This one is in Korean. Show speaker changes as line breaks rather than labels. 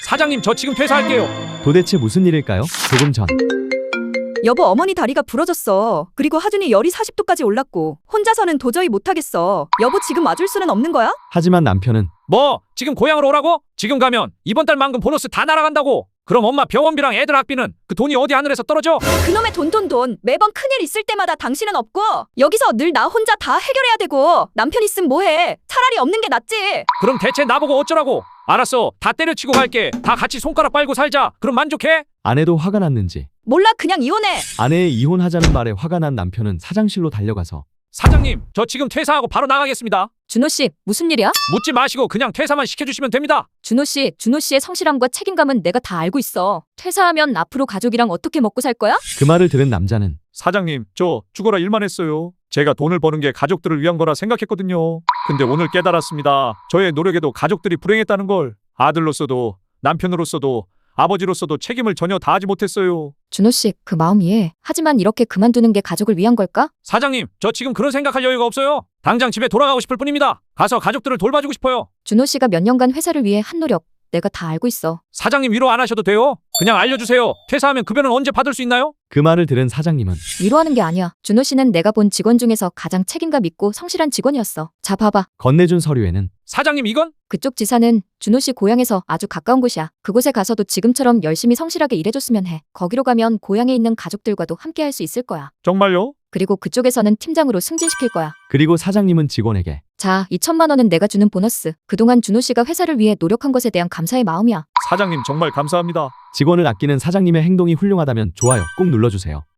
사장님, 저 지금 퇴사할게요.
도대체 무슨 일일까요? 조금 전
여보, 어머니 다리가 부러졌어. 그리고 하준이 열이 40도까지 올랐고 혼자서는 도저히 못하겠어. 여보, 지금 와줄 수는 없는 거야?
하지만 남편은
뭐 지금 고향으로 오라고? 지금 가면 이번 달 만금 보너스 다 날아간다고. 그럼 엄마 병원비랑 애들 학비는 그 돈이 어디 하늘에서 떨어져?
그놈의 돈. 매번 큰일 있을 때마다 당신은 없고 여기서 늘 나 혼자 다 해결해야 되고 남편 있으면 뭐해? 차라리 없는 게 낫지.
그럼 대체 나보고 어쩌라고? 알았어, 다 때려치고 갈게. 다 같이 손가락 빨고 살자. 그럼 만족해?
아내도 화가 났는지
몰라, 그냥 이혼해.
아내의 이혼하자는 말에 화가 난 남편은 사장실로 달려가서
사장님, 저 지금 퇴사하고 바로 나가겠습니다.
준호 씨, 무슨 일이야?
묻지 마시고 그냥 퇴사만 시켜주시면 됩니다.
준호 씨의 성실함과 책임감은 내가 다 알고 있어. 퇴사하면 앞으로 가족이랑 어떻게 먹고 살 거야?
그 말을 들은 남자는
사장님, 저 죽어라 일만 했어요. 제가 돈을 버는 게 가족들을 위한 거라 생각했거든요. 근데 오늘 깨달았습니다. 저의 노력에도 가족들이 불행했다는 걸. 아들로서도 남편으로서도 아버지로서도 책임을 전혀 다하지 못했어요.
준호 씨, 그 마음 이해해. 하지만 이렇게 그만두는 게 가족을 위한 걸까?
사장님, 저 지금 그런 생각할 여유가 없어요. 당장 집에 돌아가고 싶을 뿐입니다. 가서 가족들을 돌봐주고 싶어요.
준호 씨가 몇 년간 회사를 위해 한 노력, 내가 다 알고 있어.
사장님, 위로 안 하셔도 돼요. 그냥 알려주세요. 퇴사하면 급여는 언제 받을 수 있나요?
그 말을 들은 사장님은
위로하는 게 아니야. 준호 씨는 내가 본 직원 중에서 가장 책임감 있고 성실한 직원이었어. 자, 봐봐.
건네준 서류에는
사장님, 이건?
그쪽 지사는 준호 씨 고향에서 아주 가까운 곳이야. 그곳에 가서도 지금처럼 열심히 성실하게 일해줬으면 해. 거기로 가면 고향에 있는 가족들과도 함께 할 수 있을 거야.
정말요?
그리고 그쪽에서는 팀장으로 승진시킬 거야.
그리고 사장님은 직원에게
자, 2천만 원은 내가 주는 보너스. 그동안 준호 씨가 회사를 위해 노력한 것에 대한 감사의 마음이야.
사장님, 정말 감사합니다.
직원을 아끼는 사장님의 행동이 훌륭하다면 좋아요 꼭 눌러주세요.